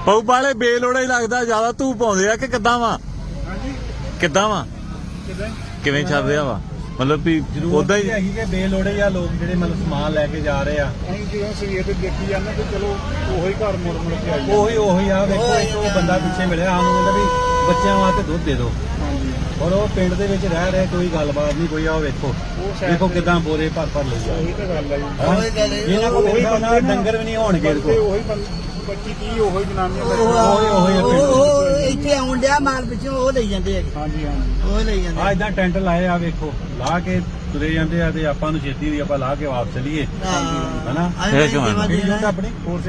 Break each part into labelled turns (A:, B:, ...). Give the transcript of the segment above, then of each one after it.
A: ਪਊ ਵਾਲੇ ਬੇਲੋੜਾ ਹੀ ਲੱਗਦਾ ਜ਼ਿਆਦਾ ਧੂਪ ਪਾਉਂਦੇ ਆ ਕਿ ਕਿੱਦਾਂ ਵਾ ਕਿੱਦਾਂ ਵਾ ਕਿਵੇਂ ਚੱਲ ਰਿਹਾ ਵਾ मतलब भी उदा ही है बेलोड़े या लोग ਜਿਹੜੇ ਮਤਲਬ ਸਮਾਨ ਲੈ ਕੇ ਜਾ ਰਹੇ ਆ ਅਸੀਂ ਜਿਵੇਂ ਸਵੇਰ ਤੇ ਦੇਖੀ ਜਾਂਦੇ ਤੇ ਚਲੋ ਉਹੀ ਘਰ ਮੁੜ ਮੁੜ ਕੇ ਆਈ ਉਹੀ ਆ ਵੇਖੋ ਇੱਕ ਉਹ ਬੰਦਾ ਪਿੱਛੇ ਮਿਲਿਆ ਸਾਨੂੰ ਕਹਿੰਦਾ ਵੀ ਬੱਚਿਆਂ ਵਾਸਤੇ ਦੁੱਧ ਦੇ ਦਿਓ ਔਰ ਉਹ ਪਿੰਡ ਦੇ ਵਿੱਚ ਰਹਿ ਰਹੇ ਕੋਈ ਗੱਲਬਾਤ ਨਹੀਂ ਕੋਈ ਆ ਵੇਖੋ ਕਿਦਾਂ ਬੋਰੇ ਭਰ ਲਈ ਜਾ ਉਹੀ ਤਾਂ ਗੱਲ ਆ ਜੀ ਇਹਨਾਂ ਕੋਲ ਉਹਨਾਂ ਡੰਗਰ ਵੀ ਨਹੀਂ ਹੋਣਗੇ ਉਹੀ 25-30 ਉਹੀ ਜਨਾਨੀਆਂ
B: ਇੱਥੇ ਆਉਣ ਡਿਆ ਮਾਲ ਪਿੱਛੋਂ ਉਹ ਲਈ ਜਾਂਦੇ ਹੈਗੇ
A: ਹਾਂਜੀ
B: ਉਹ ਲਈ ਜਾਂਦੇ
A: ਆ ਇਦਾਂ ਟੈਂਟ ਲਾਏ ਆ ਵੇਖੋ ਲਾ ਕੇ ਤੁਰੇ ਜਾਂਦੇ ਆ ਤੇ ਆਪਾਂ ਨੂੰ ਛੇਤੀ ਵੀ ਆਪਾਂ ਲਾ ਕੇ ਵਾਪਸ ਚਲੀਏ ਹਨਾ ਆਪਣੀ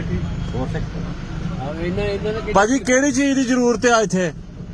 A: 460 ਬਾਜੀ ਕਿਹੜੀ ਚੀਜ਼ ਦੀ ਜ਼ਰੂਰਤ ਆ ਇੱਥੇ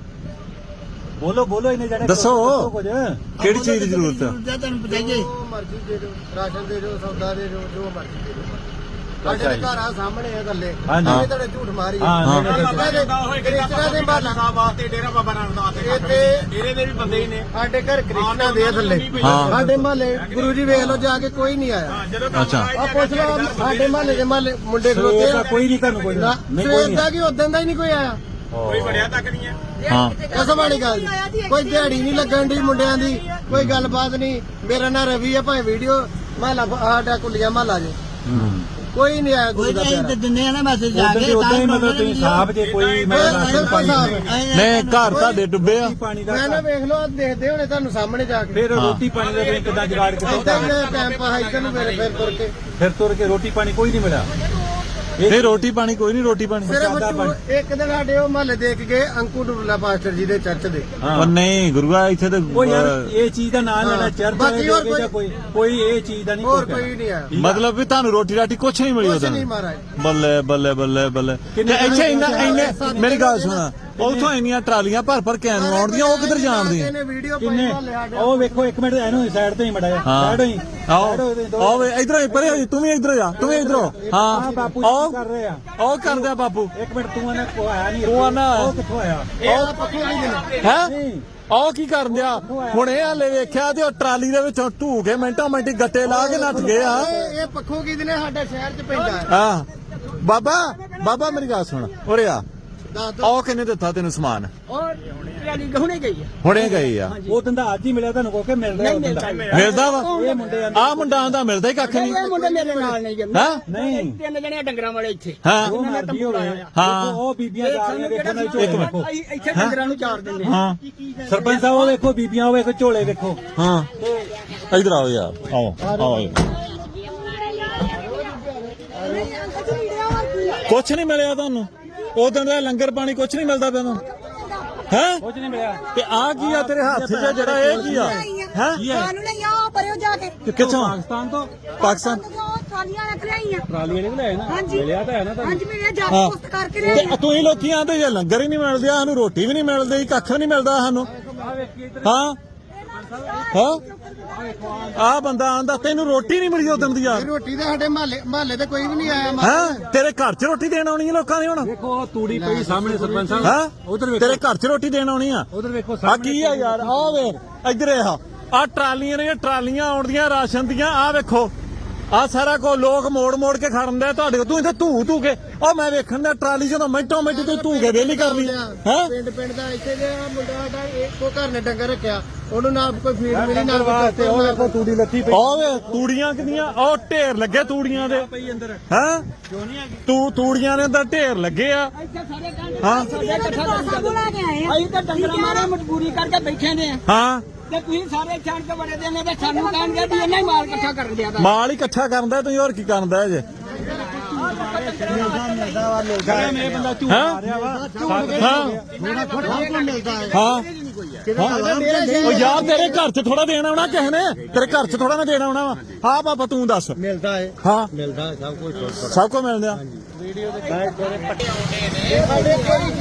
A: ਬੋਲੋ ਇਹਨੇ ਜਿਹੜੇ ਦੱਸੋ ਕਿਹੜੀ ਚੀਜ਼ ਦੀ ਜ਼ਰੂਰਤ ਆ
B: ਤੁਹਾਨੂੰ ਬਤਾਈਏ
C: ਮਰਜ਼ੀ ਦੇ ਦਿਓ ਰਾਸ਼ਨ ਦੇ ਦਿਓ ਸੌਦਾ ਦੇ ਦਿਓ ਜੋ ਮਰਜ਼ੀ ਦੇ ਦਿਓ ਸਾਡੇ ਘਰ ਆ ਸਾਹਮਣੇ ਆ ਗੱਲੇ ਇਹ ਤੁਹਾਡੇ ਝੂਠ ਮਾਰੀ ਕ੍ਰਿਸ਼ਨਾ ਦੇ ਮਹੱਲਾ ਵਾਸਤੇ ਡੇਰਾ ਬਾਬਾ ਨਾਨਕ ਦਾ ਇੱਥੇ ਡੇਰੇ ਦੇ ਵੀ ਬੰਦੇ ਹੀ ਨੇ ਸਾਡੇ ਘਰ ਕ੍ਰਿਸ਼ਨਾ ਦੇ ਥੱਲੇ ਸਾਡੇ ਮਹੱਲੇ ਗੁਰੂ ਜੀ ਵੇਖ ਲਓ ਜਾ ਕੇ ਕੋਈ ਨਹੀਂ ਆਇਆ
A: ਅੱਛਾ
C: ਆ ਪੁੱਛ ਲਓ ਸਾਡੇ ਮਹੱਲੇ ਦੇ ਮੁੰਡੇ ਖਲੋਤੇ ਆ ਕੋਈ ਨਹੀਂ ਤੁਹਾਨੂੰ ਕੋਈ ਸਵੇਰ ਦਾ ਕੀ ਉਦੋਂ ਦਾ ਹੀ ਨਹੀਂ ਕੋਈ ਆਇਆ ਕੋਈ ਬੜਿਆ ਤੱਕ ਨਹੀਂ ਹੈ
A: ਹਾਂ
C: ਕਸਮ ਵਾਲੀ ਗੱਲ ਕੋਈ ਦਿਹਾੜੀ ਨਹੀਂ ਲੱਗਣ ਦੀ ਮੁੰਡਿਆਂ ਦੀ ਕੋਈ ਗੱਲਬਾਤ ਨਹੀਂ ਮੇਰਾ ਨਾਂ ਰਵੀ ਹੈ ਭਾਵੇਂ ਵੀਡੀਓ ਮਹੱਲਾ ਸਾਡਾ ਕੁੱਲੀਆ ਮਹੱਲਾ ਜੇ ਕੋਈ ਨਹੀਂ ਆਇਆ ਗੁਰੂ ਦਾ ਪਿਆਰਾ
B: ਦਿੰਦੇ ਆ ਨਾ ਮੈਸੇਜ ਜਾ ਕੇ
A: ਉਦਾਂ ਹੀ ਮਤਲਬ ਤੁਸੀਂ ਸਾਹਬ ਜੇ ਕੋਈ ਨਹੀਂ ਘਰ ਤੁਹਾਡੇ ਡੁੱਬੇ ਆ
C: ਮੈਂ ਨਾ ਵੇਖ ਲਓ ਦੇਖਦੇ ਹੋਣੇ ਤੁਹਾਨੂੰ ਸਾਹਮਣੇ ਜਾ ਕੇ
A: ਫਿਰ ਰੋਟੀ ਪਾਣੀ ਦਾ ਤੁਸੀਂ ਕਿੱਦਾਂ ਜੁਗਾੜ ਕੀਤਾ
C: ਟਾਈਮ ਪਾਸ ਇੱਧਰ ਨੂੰ ਮੇਰੇ ਫਿਰ
A: ਤੁਰ ਕੇ ਰੋਟੀ ਪਾਣੀ ਕੋਈ ਨਹੀਂ ਮਿਲਿਆ ਇਹ ਰੋਟੀ ਪਾਣੀ ਕੋਈ ਨਹੀਂ ਰੋਟੀ ਪਾਣੀ
C: ਇੱਕ ਦਿਨ ਸਾਡੇ ਉਹ ਮਹੱਲੇ ਦੇਖ ਗਏ ਅੰਕੂ ਡੁੱਲਾ ਪਾਸਟਰ ਜੀ ਦੇ ਚਰਚ ਦੇ
A: ਉਹ ਨਹੀਂ ਗੁਰੂਆ ਇੱਥੇ ਤੇ ਇਹ ਚੀਜ਼ ਦਾ ਨਾਂ ਲੈਣਾ ਚਰਚ ਕੋਈ ਇਹ ਚੀਜ਼ ਦਾ ਨਹੀਂ
C: ਹੋਰ ਕੋਈ ਨਹੀਂ ਆ
A: ਮਤਲਬ ਵੀ ਤੁਹਾਨੂੰ ਰੋਟੀ ਰਾਟੀ ਕੁਛ ਨਹੀਂ ਮਿਲੀ ਉਹਦਾ ਬੱਲੇ ਬੱਲੇ ਬੱਲੇ ਬੱਲੇ ਇੱਥੇ ਇੰਨੇ ਮੇਰੀ ਗੱਲ ਸੁਣਾ ਉਥੋਂ ਇੰਨੀਆਂ ਟਰਾਲੀਆਂ ਭਰ ਕੇ ਆਉਂਦੀਆਂ ਉਹ ਕਿੱਧਰ ਜਾਣਦੀਆਂ
C: ਕਿੰਨੇ
A: ਉਹ ਵੇਖੋ ਇੱਕ ਮਿੰਟ ਇਹਨੂੰ ਸਾਈਡ ਤੇ ਹੀ ਮੜਾ ਸਾਈਡ ਹੋਈ ਆਓ ਇਧਰੋਂ ਪਰੇ ਹੋ ਤੂੰ ਵੀ ਇਧਰ ਜਾ ਤੂੰ ਵੀ ਇਧਰੋਂ ਹਾਂ ਬਾਪੂ ਕਰ ਰਹੇ ਆ ਉਹ ਕਰਦੇ ਆ ਬਾਪੂ ਇੱਕ ਮਿੰਟ ਤੂੰ ਆਣਾ ਕੋ ਆਇਆ ਨਹੀਂ ਤੂੰ ਆਣਾ ਉਹ ਕਿੱਥੋਂ ਆਇਆ
C: ਇਹ ਪੱਖੋਂ ਨਹੀਂ
A: ਹੈ ਉਹ ਕੀ ਕਰਨ ਦਿਆ ਹੁਣ ਇਹ ਹਾਲੇ ਵੇਖਿਆ ਤੇ ਉਹ ਟਰਾਲੀ ਦੇ ਵਿੱਚੋਂ ਢੂ ਕੇ ਮਿੰਟੋ ਮਿੰਟੀ ਗੱਟੇ ਲਾ ਕੇ ਨੱਠ ਗਏ ਆ
C: ਇਹ ਪੱਖੋਂ ਕੀ ਦਿਨੇ ਸਾਡੇ ਸ਼ਹਿਰ ਚ ਪੈਂਦਾ
A: ਹਾਂ ਬਾਬਾ ਮੇਰੀ ਗੱਲ ਸੁਣ ਉਰੇ ਆ ਉਹ ਕਿੰਨੇ ਦਿੱਤਾ ਤੈਨੂੰ ਸਮਾਨ ਹੁਣੇ ਗਈ ਆ ਉਹ ਦਿੰਦਾ ਅੱਜ ਹੀ ਮਿਲਿਆ ਤੁਹਾਨੂੰ ਕੋਕੇ ਮਿਲਦਾ ਵਾ ਆ ਮੁੰਡਾ ਆਂਦਾ ਮਿਲਦਾ ਹੀ ਕੱਖ ਨਹੀਂ
B: ਮੁੰਡੇ ਮੇਰੇ ਨਾਲ ਨਹੀਂ ਜਾਂਦੇ
A: ਹਾਂ ਨਹੀਂ
B: ਤਿੰਨ ਜਣੇ ਡੰਗਰਾਂ ਵਾਲੇ ਇੱਥੇ
A: ਹਾਂ
B: ਹਾਂ
A: ਉਹ ਬੀਬੀਆਂ ਜਾ ਰਹੀਆਂ ਵੇਖੋ ਇੱਕ ਮਿੰਟ
B: ਇੱਥੇ ਡੰਗਰਾਂ ਨੂੰ ਚਾਰ ਦਿੰਦੇ
A: ਹਾਂ ਸਰਪੰਚ ਸਾਹਿਬ ਉਹ ਵੇਖੋ ਬੀਬੀਆਂ ਉਹ ਵੇਖੋ ਝੋਲੇ ਵੇਖੋ ਹਾਂ ਇਧਰ ਆਓ ਯਾਰ ਆਓ ਕੁਛ ਨਹੀਂ ਮਿਲਿਆ ਤੁਹਾਨੂੰ ਉਦੋਂ ਦਾ ਲੰਗਰ ਪਾਣੀ ਕੁਛ ਨਹੀਂ ਮਿਲਦਾ ਪਿਆ ਤੁਹਾਨੂੰ ਹੈ ਕੁਛ ਨਹੀਂ ਮਿਲਿਆ ਤੇ ਆ ਕੀ ਆ ਤੇਰੇ ਹੱਥ 'ਚ ਜਿਹੜਾ ਇਹ ਕੀ ਆ ਹੈ
D: ਸਾਨੂੰ ਨਹੀਂ ਆ ਪਰਿਓ ਜਾ ਕੇ
A: ਕਿੱਥੋਂ ਪਾਕਿਸਤਾਨ
D: ਟਰਾਲੀਆਂ ਰੱਖ ਲਿਆਈਆਂ
A: ਟਰਾਲੀ ਵਾਲੇ ਲੈ ਨਾ ਮਿਲਿਆ ਤਾਂ ਹੈ ਨਾ ਤੁਹਾਨੂੰ
D: ਹਾਂਜੀ ਮੇਰੇ ਜਾ ਪੋਸਟ ਕਰਕੇ ਲੈ
A: ਤੇ ਤੁਸੀਂ ਲੋਕੀ ਆਂਦੇ ਜੇ ਲੰਗਰ ਹੀ ਨਹੀਂ ਮਿਲਦਾ ਸਾਨੂੰ ਰੋਟੀ ਵੀ ਨਹੀਂ ਮਿਲਦੀ ਕੱਖ ਨਹੀਂ ਮਿਲਦਾ ਸਾਨੂੰ ਹਾਂ ਆ ਬੰਦਾ ਆਂਦਾ ਤੈਨੂੰ ਰੋਟੀ ਨਹੀਂ ਮਿਲੀ ਉਦੋਂ ਦੀ ਯਾਰ
C: ਰੋਟੀ ਤਾਂ ਸਾਡੇ ਮਹੱਲੇ ਤੇ ਕੋਈ ਵੀ ਨਹੀਂ ਆਇਆ
A: ਹੈ ਤੇਰੇ ਘਰ 'ਚ ਰੋਟੀ ਦੇਣ ਆਉਣੀ ਹੈ ਲੋਕਾਂ ਨੇ ਹੁਣ ਵੇਖੋ ਤੂੜੀ ਪਈ ਸਾਹਮਣੇ ਸਰਪੰਚ ਸਾਹਿਬ ਹੈ ਉਧਰ ਵੇਖੋ ਤੇਰੇ ਘਰ 'ਚ ਰੋਟੀ ਦੇਣ ਆਉਣੀ ਆ ਉਧਰ ਵੇਖੋ ਆ ਕੀ ਆ ਯਾਰ ਆ ਵੇਖ ਇੱਧਰ ਆ ਟਰਾਲੀਆਂ ਨੇ ਟਰਾਲੀਆਂ ਆਉਂਦੀਆਂ ਰਾਸ਼ਨ ਦੀਆਂ ਆ ਵੇਖੋ ਆ ਸਾਰਾ ਕੋ ਲੋਕ ਮੋੜ ਕੇ ਖੜਨ ਦੇ ਤੁਹਾਡੇ ਤੂੰ ਇੱਥੇ ਧੂ ਕੇ ਉਹ ਮੈਂ ਵੇਖਣ ਦਾ ਟਰਾਲੀ ਜਦੋਂ ਮਿੰਟੋ ਮਿੰਟ ਤੂੰ ਧੂ ਕੇ ਵੇਲੀ ਕਰ ਲਈ ਹੈ
C: ਪਿੰਡ ਦਾ ਇੱਥੇ ਦੇ ਮੁੰਡਾ ਸਾਡਾ ਇੱਕੋ ਘਰ ਨੇ ਡੰਗਰ ਰੱਖਿਆ ਉਹਨੂੰ ਨਾ ਕੋਈ ਫੀਡ ਮਿਲੀ ਨਾ ਵਾਸਤੇ
A: ਉਹ ਵੇਖੋ ਤੂੜੀ ਲੱਥੀ ਪਈ ਉਹ ਵੇ ਤੂੜੀਆਂ ਕਿੰਨੀਆਂ ਉਹ ਢੇਰ ਲੱਗੇ ਤੂੜੀਆਂ ਦੇ ਪਈ ਅੰਦਰ ਹੈ ਤੂੰ ਤੂੜੀਆਂ ਦੇ ਅੰਦਰ ਢੇਰ ਲੱਗੇ ਆ ਹਾਂ
B: ਅਸੀਂ ਤਾਂ ਡੰਗਰਾਂ ਮਾਰੇ ਮਜਬੂਰੀ ਕਰਕੇ ਬੈਠੇ ਨੇ
A: ਹਾਂ
B: ਤੇ ਤੁਸੀਂ ਸਾਰੇ ਛਾਣ ਕੇ ਬੜੇ ਦੇ ਨੇ ਤੇ ਸਾਨੂੰ ਕਹਿਣਗੇ ਵੀ ਇਹਨਾਂ ਹੀ ਮਾਲ ਇਕੱਠਾ ਕਰਨ ਦਿਆ
A: ਮਾਲ ਹੀ ਇਕੱਠਾ ਕਰਨ ਦਾ ਤੁਸੀਂ ਹੋਰ ਕੀ ਕਰਨ ਦਾ ਜੇ
C: ਇਹ ਬੰਦਾ ਝੂਠ ਮਾਰਿਆ ਵਾ
A: ਉਹ ਯਾਰ ਤੇਰੇ ਘਰ 'ਚ ਥੋੜਾ ਦੇਣਾ ਆਉਣਾ ਕਿਸੇ ਨੇ ਤੇਰੇ ਘਰ 'ਚ ਥੋੜਾ ਨਾ ਦੇਣਾ ਆਉਣਾ ਵਾ ਹਾਂ ਬਾਬਾ ਤੂੰ ਦੱਸ
C: ਮਿਲਦਾ ਹੈ
A: ਹਾਂ
C: ਮਿਲਦਾ
A: ਸਭ ਕੁਝ ਮਿਲਦਾ
C: ਵੀਡੀਓ ਦੇ ਸਾਡੇ ਕੋਈ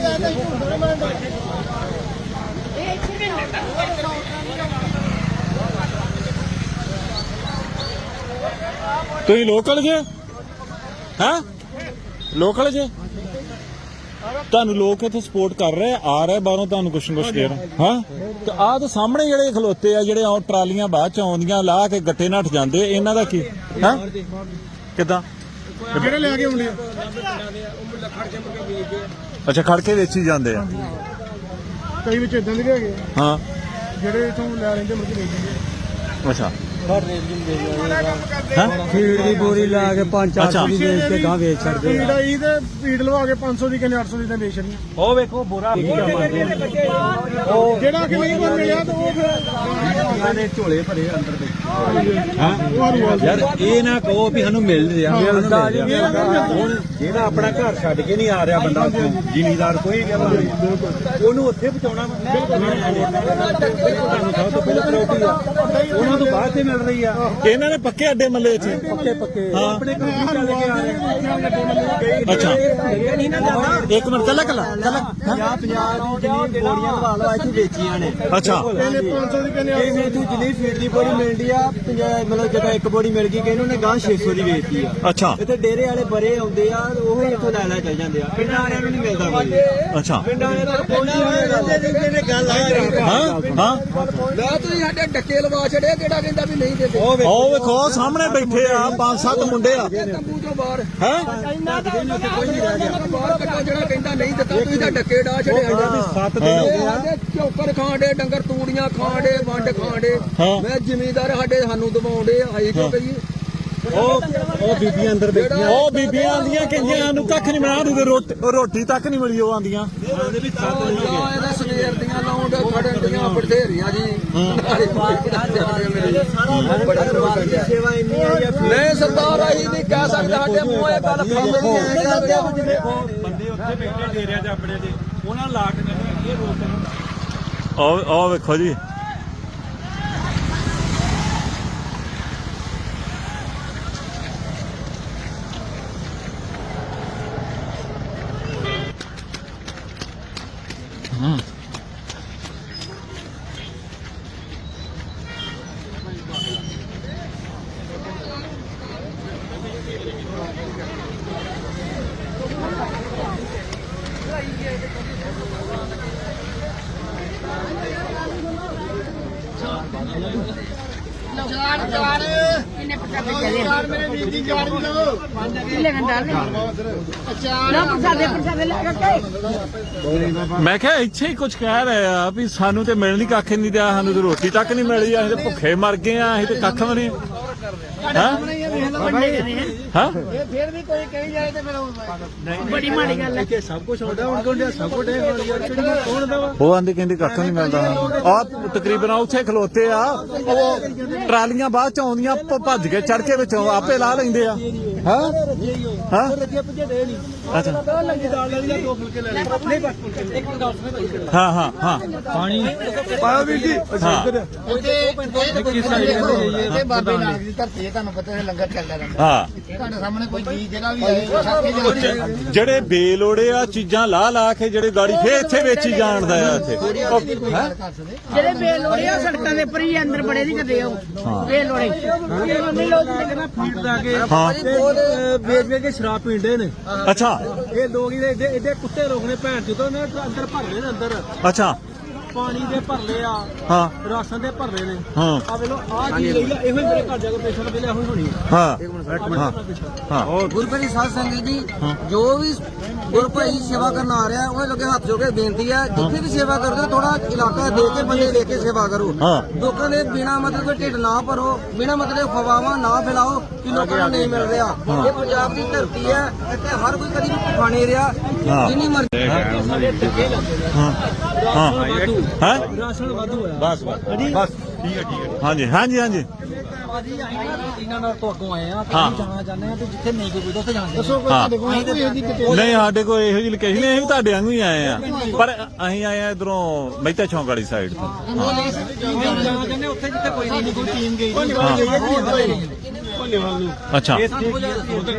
A: ਤੁਸੀਂ ਲੋਕਲ ਜੇ ਹੈ ਲੋਕਲ ਜੇ ਤੁਹਾਨੂੰ ਲੋਕ ਇੱਥੇ ਸਪੋਰਟ ਕਰ ਰਹੇ ਆ ਰਹੇ ਬਾਹਰੋਂ ਤੁਹਾਨੂੰ ਕੁਛ ਦੇ ਰਹੇ ਹਾਂ ਤੇ ਆਹ ਤਾਂ ਸਾਹਮਣੇ ਜਿਹੜੇ ਖਲੋਤੇ ਆ ਜਿਹੜੇ ਟਰਾਲੀਆਂ ਬਾਅਦ ਚ ਆਉਂਦੀਆਂ ਲਾ ਕੇ ਗੱਟੇ ਨੱਠ ਜਾਂਦੇ ਇਹਨਾਂ ਦਾ ਕੀ ਹੈ ਕਿਦਾਂ
C: ਜਿਹੜੇ ਲੈ ਕੇ ਆਉਂਦੇ ਆ
A: ਅੱਛਾ ਖੜ ਕੇ ਵੇਚੀ ਜਾਂਦੇ ਆ
C: ਕਈ ਵਿੱਚ ਇਦਾਂ ਦੇ ਵੀ ਹੈਗੇ ਆ,
A: ਹਾਂ
C: ਜਿਹੜੇ ਇਥੋਂ ਲੈ ਲੈਂਦੇ ਮੁੜ ਕੇ ਵੇਚ ਦਿੰਦੇ
A: ਅੱਛਾ
B: ਫੀਡ ਦੀ ਬੋਰੀ ਲਾ ਕੇ 5-400 ਦੀ ਵੇਚ ਕੇ ਗਾਂ ਵੇਚ ਛੱਡਦੇ
C: ਫੀਡ ਆਈ ਤੇ ਫੀਡ ਲਵਾ ਕੇ 500 ਦੀ ਕਿੰਨੇ 800 ਦੀ ਤਾਂ ਵੇਚ ਰਹੀ
B: ਉਹ ਵੇਖੋ ਬੋਰਾ
C: ਜਿਹੜਾ ਕਿ ਨਹੀਂ ਕੋਈ ਮਿਲਿਆ ਤਾਂ ਉਹ ਫਿਰ
B: ਦੇ ਝੋਲੇ ਭਰੇ ਅੰਦਰ ਦੇ
C: ਯਾਰ
B: ਇਹ ਨਾ ਕਹੋ ਵੀ ਸਾਨੂੰ ਮਿਲ ਰਿਹਾ ਹੁਣ ਜਿਹੜਾ ਆਪਣਾ ਘਰ ਛੱਡ ਕੇ ਨਹੀਂ ਆ ਰਿਹਾ ਬੰਦਾ ਜ਼ਿਮੀਦਾਰ ਕੋਈ ਵੀ ਉਹਨੂੰ ਉੱਥੇ ਪਹੁੰਚਾਉਣਾ ਤੁਹਾਨੂੰ ਸਭ ਤੋਂ ਪਹਿਲਾਂ ਪ੍ਰਾਇੋਰਟੀ ਆ ਉਹਨਾਂ ਤੋਂ ਬਾਅਦ ਤੇ ਮਿਲ ਰਹੀ ਆ
A: ਇਹਨਾਂ ਨੇ ਪੱਕੇ ਅੱਡੇ ਮੱਲੇ ਇੱਥੇ
B: ਪੱਕੇ
A: ਹਾਂ
B: ਆਪਣੇ ਘਰ ਚੱਲ ਕੇ ਆ ਰਹੇ
A: ਅੱਛਾ
B: ਨਹੀਂ ਨਾ ਜਾਂਦਾ
A: ਇੱਕ ਮਿੰਟ ਕੱਲਾ
B: 50 ਦੀ ਜਿੰਨੀ ਬੋਰੀਆਂ ਲਵਾ ਲਓ ਇੱਥੇ ਵੇਚੀਆਂ ਨੇ
A: ਅੱਛਾ
C: ਇਹਨੇ 500 ਦੀ ਕਿੰਨੇ
B: ਇਹ ਮੇਥੂ ਜਿੰਨੀ ਫੀਡ ਦੀ ਬੋਰੀ ਮਿਲਦੀ ਆ ਮਤਲਬ ਜਦੋਂ ਇੱਕ ਬੋਰੀ ਮਿਲ ਗਈ ਕਿ ਇਹਨੂੰ ਨੇ ਗਾਂ 600 ਦੀ ਵੇਚਦੀ ਆ
A: ਅੱਛਾ
B: ਇੱਥੇ ਡੇਰੇ ਵਾਲੇ ਬਰੇ ਆਉਂਦੇ ਆ ਉਹ ਹੀ ਇੱਥੋਂ ਲੈ ਚੱਲ ਜਾਂਦੇ ਆ ਪਿੰਡਾਂ ਵਾਲਿਆਂ ਨੂੰ ਨਹੀਂ ਮਿਲਦਾ ਕੋਈ
A: ਅੱਛਾ
B: ਪਿੰਡਾਂ ਵਾਲੇ ਤਾਂ ਪਹੁੰਚੀ ਗੱਲ ਆ
A: ਹਾਂ ਹਾਂ
B: ਲੈ ਤੁਸੀਂ ਸਾਡੇ ਡੱਕੇ ਲਵਾ ਛੜਿਆ ਕਿਹੜਾ ਕਹਿੰਦਾ ਵੀ ਨਹੀਂ ਦਿੰਦੇ
A: ਉਹ ਵੇਖੋ ਸਾਹਮਣੇ ਬੈਠੇ ਆ 5-7 ਮੁੰਡੇ ਆ
B: ਤੰਬੂ ਤੋਂ ਬਾਹਰ
A: ਹੈ
B: ਕੋਈ ਨਹੀਂ ਰਹਿ ਗਿਆ ਬਾਹਰ ਕੱਢੋ ਜਿਹੜਾ ਕਹਿੰਦਾ ਨਹੀਂ ਦਿੱਤਾ ਤੁਸੀਂ ਤਾਂ ਡੱਕੇ ਡਾ ਛੜਿਆ
A: 7 ਦਿਨ ਹੋ ਗਏ
B: ਚੌਕਰ ਖਾਂਡੇ ਡੰਗਰ ਤੂੜੀਆਂ ਖਾਂਡੇ ਵੰਡ ਖਾਂਡੇ
A: ਹਾਂ।
B: ਮੈਂ ਜ਼ਿਮੀਦਾਰ ਸਾਡੇ ਸਾਨੂੰ ਦਬਾਉਂਦੇ ਆਈ ਕਿਉਂ ਕਰੀਏ
A: ਉਹ ਬੀਬੀਆਂ ਅੰਦਰ ਬੈਠੀਆਂ ਉਹ ਬੀਬੀਆਂ ਆਂਦੀਆਂ ਕਹਿੰਦੀਆਂ ਸਾਨੂੰ ਕੱਖ ਨਹੀਂ ਮਿਲਿਆ ਰੋਟੀ ਤੱਕ ਨਹੀਂ ਮਿਲੀ ਉਹ ਆਂਦੀਆਂ
B: ਇਹਦਾ ਸਵੇਰ ਦੀਆਂ ਲਾਉਂਡ ਖੜਨ ਦੀਆਂ ਬਥੇਰੀਆਂ ਜੀ ਸੇਵਾ ਇੰਨੀ ਆ ਨਹੀਂ ਸਰਦਾਰ ਆਈ ਨਹੀਂ ਕਹਿ ਸਕਦੇ ਸਾਡੇ ਮੂੰਹ ਇਹ ਗੱਲ
E: ਬੰਦੇ ਉੱਥੇ ਬੈਠੇ ਡੇਰਿਆਂ 'ਚ ਆਪਣੇ ਦੇ ਉਹਨਾਂ ਲਾ ਕੇ ਕਹਿੰਦੇ ਇਹ ਰੋਕ
A: ਉਹ ਵੇਖੋ ਜੀ
D: ਕਿੰਨੇ ਪਟਾਕੇ ਚੱਲੇ
C: ਮੇਰੇ ਵੀਰ ਦੀ ਜਾਨ ਵੀ ਲਓ
D: ਕਿੰਨੇ ਘੰਟਾ ਲੈ ਨਾ ਪ੍ਰਸਾਦੇ ਲੈ ਕੇ
A: ਮੈਂ ਕਿਹਾ ਇੱਥੇ ਹੀ ਕੁਝ ਕਹਿ ਰਹੇ ਆ ਵੀ ਸਾਨੂੰ ਤੇ ਮਿਲਣੀ ਕੱਖ ਨਹੀਂ ਦਿਆ ਸਾਨੂੰ ਤੇ ਰੋਟੀ ਤੱਕ ਨਹੀਂ ਮਿਲੀ ਅਸੀਂ ਤੇ ਭੁੱਖੇ ਮਰ ਗਏ ਆ ਅਸੀਂ ਤੇ ਕੱਖ ਵੀ ਨਹੀਂ ਹਾਂ
C: ਇਹ ਫਿਰ ਵੀ ਕੋਈ ਕਹੀ ਜਾਏ ਤੇ ਫਿਰ
D: ਬੜੀ ਮਾੜੀ ਗੱਲ ਹੈ
B: ਕਿ ਸਭ ਕੁਝ ਆਉਂਦਾ ਹੁਣ ਕੋਲ ਸਭ ਕੁਝ ਕੌਣ ਦਾ ਵਾ
A: ਉਹ ਆਂਦੇ ਕਹਿੰਦੇ ਕੱਖ ਨਹੀਂ ਮਿਲਦਾ ਆ ਤਕਰੀਬਨ ਉੱਥੇ ਖਲੋਤੇ ਆ ਉਹ ਟਰਾਲੀਆਂ ਬਾਅਦ ਚ ਆਉਂਦੀਆਂ ਭੱਜ ਕੇ ਚੜ ਕੇ ਵਿੱਚੋਂ ਆਪੇ ਲਾ ਲੈਂਦੇ ਆ ਹਾਂ ਹਾਂ
B: ਰੱਜੇ ਪੁੱਜੇ ਦੇ ਨਹੀਂ
A: ਅੱਛਾ
B: ਲੱਗੀ ਦਾਲ ਲੈ ਲਈ ਦੋ ਫੁਲਕੇ ਲੈ ਲੈ ਨਹੀਂ ਬਸ ਫੁਲਕੇ ਇੱਕ ਗੱਲ ਸੁਣੇ
A: ਹਾਂ ਹਾਂ ਹਾਂ
B: ਪਾਣੀ ਪਾਇਆ ਵੀਰ ਜੀ
A: ਹਾਂ
C: ਇਹ ਬਾਬੇ ਨਾਨਕ ਦੀ ਧਰਤੀ ਹੈ ਤੁਹਾਨੂੰ ਪਤਾ ਹੈ ਲੰਗਰ ਚੱਲਦਾ ਰਹਿੰਦਾ
A: ਹਾਂ
C: ਤੁਹਾਡੇ ਸਾਹਮਣੇ ਕੋਈ ਚੀਜ਼ ਜਿਹੜਾ ਵੀ ਆਏ ਸਾਥੀ ਜਾਂਦੇ
A: ਜਿਹੜੇ ਬੇਲੋੜੇ ਆ ਚੀਜ਼ਾਂ ਲਾ ਲਾ ਕੇ ਜਿਹੜੇ ਗਾੜੀ ਫੇਰ ਇੱਥੇ ਵੇਚੀ ਜਾਣਦਾ ਆ ਇੱਥੇ
D: ਜਿਹੜੇ ਬੇਲੋੜੇ ਆ ਸੜਕਾਂ ਦੇ ਉੱਪਰ ਹੀ ਅੰਦਰ ਬੜੇ ਨਹੀਂ ਕਰਦੇ ਉਹ ਬੇਲੋੜੇ
B: ਫੀਡ ਦਾ ਕੇ
A: ਹਾਂ
B: ਵੇਚ ਵੇਚ ਕੇ ਸ਼ਰਾਬ ਪੀਂਦੇ ਨੇ
A: ਅੱਛਾ
B: ਇਹ ਲੋਕ ਇਹਦੇ ਏਡੇ ਕੁੱਤੇ ਲੋਕ ਨੇ ਭੈਣ ਜਦੋਂ ਨੇ ਅੰਦਰ ਭਰਲੇ ਨੇ ਅੰਦਰ
A: ਅੱਛਾ
B: ਪਾਣੀ ਦੇ ਭਰਲੇ ਆ
A: ਹਾਂ
B: ਰਾਸ਼ਨ ਦੇ ਭਰਲੇ ਨੇ
A: ਹਾਂ
B: ਆ ਵੇਲੋ ਆ ਚੀਜ਼ ਲਈ ਆ ਇਹੋ ਹੀ ਮੇਰੇ ਘਰ ਜਾ ਕੇ ਪੇਸ਼ੈਂਟ ਵੇਲੇ ਇਹੋ ਹੀ ਹੋਣੀ
A: ਹਾਂ ਹਾਂ
F: ਗੁਰਪ੍ਰੀਤ ਸਾਧ ਸੰਗਤ ਜੀ ਜੋ ਵੀ ਗੁਰਪ੍ਰੀਤ ਸੇਵਾ ਕਰਨ ਆ ਰਿਹਾ ਉਹ ਲੋਕੇ ਹੱਥ ਜੋੜ ਕੇ ਬੇਨਤੀ ਹੈ ਜਿੱਥੇ ਵੀ ਸੇਵਾ ਕਰਦੇ ਥੋੜਾ ਇਲਾਕਾ ਦੇਖ ਕੇ ਬੰਦੇ ਦੇਖ ਕੇ ਸੇਵਾ ਕਰੋ
A: ਹਾਂ।
F: ਲੋਕਾਂ ਦੇ ਬਿਨਾ ਮਤਲਬ ਕੋਈ ਢਿੱਡ ਨਾ ਭਰੋ ਬਿਨਾ ਮਤਲਬ ਫਵਾਵਾ ਨਾ ਫੈਲਾਓ ਕਿ ਲੋਕਾਂ ਨੂੰ ਨਹੀਂ ਮਿਲ ਰਿਹਾ ਇਹ ਪੰਜਾਬ ਦੀ ਧਰਤੀ ਹੈ ਇੱਥੇ ਹਰ ਕੋਈ ਕਦੀ ਵੀ ਭੁੱਖਾ ਨਹੀਂ ਰਿਹਾ
A: ਹਾਂ।
F: ਜਿੰਨੀ ਮਰਜ਼ੀ
A: ਹਾਂ ਹਾਂ ਹਾਂ
B: ਰਾਸ਼ਨ ਵਾਧੂ ਹੋਇਆ
A: ਬਸ ਬਸ ਠੀਕ ਹੈ ਹਾਂਜੀ ਹਾਂਜੀ ਹਾਂਜੀ
B: ਇਹਨਾਂ ਨਾਲ ਤੋਂ ਅੱਗੋਂ ਆਏ ਆ
A: ਹਾਂ।
B: ਜਾਣਾ ਚਾਹੁੰਦੇ ਆ ਤੇ ਜਿੱਥੇ ਨਹੀਂ ਕੋਈ ਉੱਥੇ ਜਾਂਦੇ
C: ਦੱਸੋ ਕੋਈ
A: ਹਾਂ।
C: ਤੁਹਾਡੇ ਕੋਲ ਕੋਈ ਇਹਦੀ ਕਿਤੇ
A: ਨਹੀਂ ਸਾਡੇ ਕੋਲ ਇਹੋ ਜਿਹੀ ਲੋਕੇਸ਼ਨ ਨਹੀਂ ਅਸੀਂ ਵੀ ਤੁਹਾਡੇ ਵਾਂਗੂ ਹੀ ਆਏ ਆ ਪਰ ਅਸੀਂ ਆਏ ਆ ਇਧਰੋਂ ਮਹਿਤਾ ਚੌਂਕ ਵਾਲੀ ਸਾਈਡ ਤੋਂ
B: ਜਾਣਾ ਚਾਹੁੰਦੇ ਉੱਥੇ ਜਿੱਥੇ ਕੋਈ ਨਹੀਂ ਕੋਈ ਟੀਮ ਗਈ
A: ਅੱਛਾ